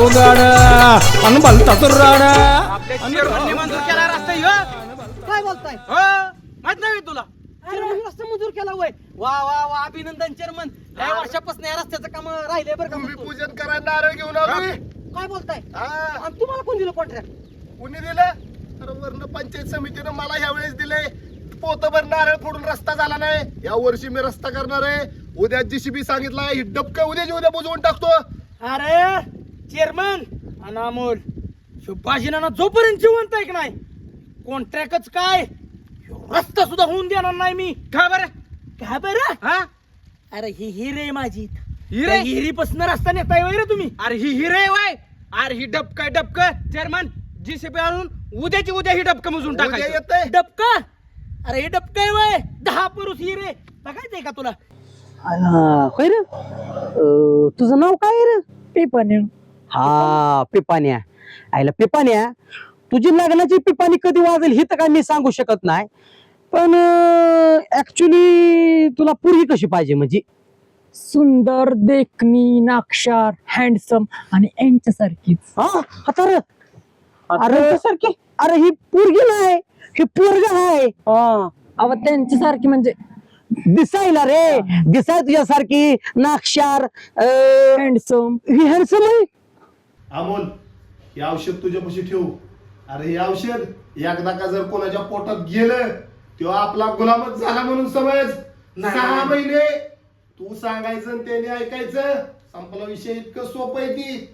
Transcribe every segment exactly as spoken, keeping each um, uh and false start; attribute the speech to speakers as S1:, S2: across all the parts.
S1: गावगाड अन भलता तुर्राड
S2: मंजूर केला रस्ता ह्यो.
S3: काय बोलताय
S2: हो माहित नाही तुला
S3: चेअरमन रस्ता मंजूर केला वय वा वा वा अभिनंदन चेअरमन काही वर्षापासून या रस्त्याचं काम राहिले बरं का म्हणतो.
S4: पूजन करा नारळ घेऊन आलोय.
S3: काय बोलताय
S4: हा,
S3: आणि तुम्हाला कोण दिलं कॉन्ट्रॅक्ट
S4: कुणी दिलं? अरे वर्ण पंचायत समितीनं मला ह्या वेळेस दिले. पोतभर नारळ फोडून रस्ता झाला नाही. या वर्षी मी रस्ता करणार आहे. उद्या जीसीबी सांगितलाय ही डबक उद्याची उद्या बुजवून टाकतो.
S3: अरे चेअरमन अनामोल सुभाषिना जोपर्यंत जिवंत आहे की नाही कॉन्ट्रॅक्टच काय ह्यो रस्ता सुद्धा होऊन देणार नाही मी.
S2: का बरं
S3: काय बरं
S2: हा
S3: अरे ही हिरे माझी
S2: हिरे?
S3: हिरीपासून रस्ता नेताय वय रे तुम्ही.
S2: अरे ही हिरे वाय अरे ही डबक डबक चेअरमन जीसीपी आणून उद्याची उद्या ही डबक मोजून
S4: उद्या
S2: टाकायचं.
S4: येतंय.
S3: डबका अरे हे डबका आहे वय दहा पुरुष हिरे बघायचंय का तुला.
S5: होय रे अं, तुझं नाव काय रे? पिपाण्या. हा पिपाण्या. आईला पिपाण्या तुझी लग्नाची पिपाणी कधी वाजेल हे तर काय मी सांगू शकत नाही. पण ऍक्च्युली तुला पूर्वी कशी पाहिजे म्हणजे
S6: सुंदर देखणी नाक्षार हँडसम आणि यांच्यासारखीच.
S5: हा आता रे अरे सारखी अरे ही पोरगी नाही ही पोरग आहे.
S6: अव त्यांच्यासारखी म्हणजे
S5: दिसायला रे दिसाय तुझ्यासारखी नाक्षार
S6: हँडसम.
S5: ही हँडसम आहे.
S4: अमोल हे औषध तुझ्यापाशी ठेवू. अरे हे औषध एकदा का जर कोणाच्या पोटात गेलं तेव्हा आपला गुलामच झाला म्हणून समज. सहा महिने तू सांगायचं आणि त्याने ऐकायचं. संपला विषय. इतकं सोपं आहे ती.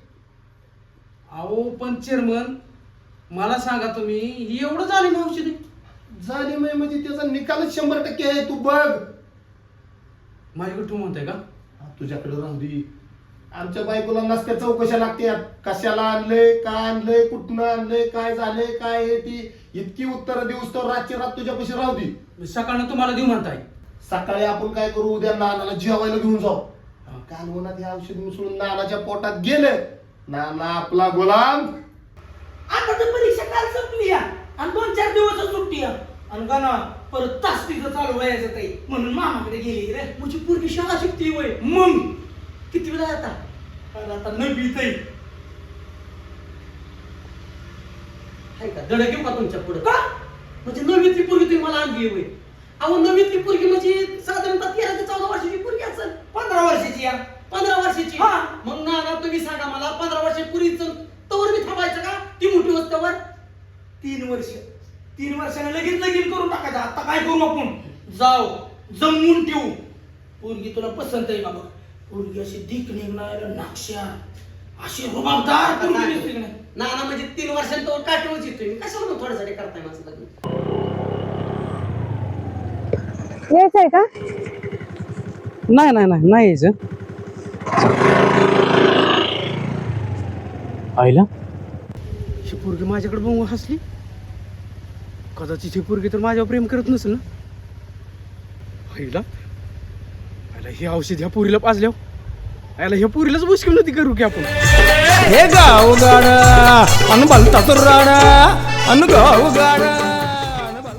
S2: अहो पण चेअरमन मला सांगा तुम्ही ही एवढं झाली ना औषधी
S4: झाली नाही म्हणजे त्याचा निकालच शंभर टक्के आहे. तू बघ.
S2: माझ्याकडे तू म्हणताय का
S4: तुझ्याकडे राहू दे. आमच्या बायकोला नसत्या चौकशा लागतात. कशाला आणलंय काय आणलंय कुठनं आणलंय काय झालंय काय आहे ती इतकी उत्तरं देऊस तर रातची रात तुझ्यापाशी राहू दे.
S2: सकाळनं तुम्हाला देऊ म्हणताय.
S4: सकाळी आपण काय करू उद्या नानाला जेवायला घेऊन जाऊ. कालवनात हे औषध मिसळून नानाच्या पोटात गेलं नाना आपला गुलाम.
S3: आता तर परीक्षा काल संपली या आणि दोन चार दिवस सुट्टी आहे आणि का ना परत तास तिथं चालू व्हायचं ताई म्हणून मामाकडे गेली रे. म्हणजे पूर्वी शाळा शिकते वय मग किती वेळा आता अरे आता नववीत आहे. हाय का दड घेऊ का तुमच्या पुढे का म्हणजे नववीतली पोरगी तुम्ही मला आणली वय. अहो नववीतली पोरगी म्हणजे साधारणतः तेरा ते चौदा वर्षाची पोरगी असेल. पंधरा वर्षाची या पंधरा वर्षाची. मग ना ना तुम्ही सांगा मला पंधरा वर्षाची पोरीचं तवर मी थांबायचं का ती मोठी वस्तूवर. तीन वर्ष तीन वर्षाने लगेच लगीन करून टाकायचं. आता काय करू आपण जाऊ जमवून ठेवू. पोरगी तुला पसंत आहे बाबा. पोरगी अशी दिक निघणार नाक्षा अशी रुबाबदार पोरगी दिसते की नाही. ना ना म्हणजे तीन वर्षांत तो काटवच येतोय मी कशाला मग थोड्यासाठी करताय माझं लग्न.
S6: यायचंय का?
S5: नाही नाही नाही नाही यायचं. आईला
S2: ही पोरगी माझ्याकडे बघून हसली. कदाचित ही पोरगी तर माझ्यावर प्रेम करत नसेल ना. आईला आईला ही औषध ह्या पोरीला पाजल्यावर आईला ह्या पोरीलाच मुश्किल नव्हती करू की आपण.
S1: हे गावगाड अन भलता तुर्राड अन गावगाड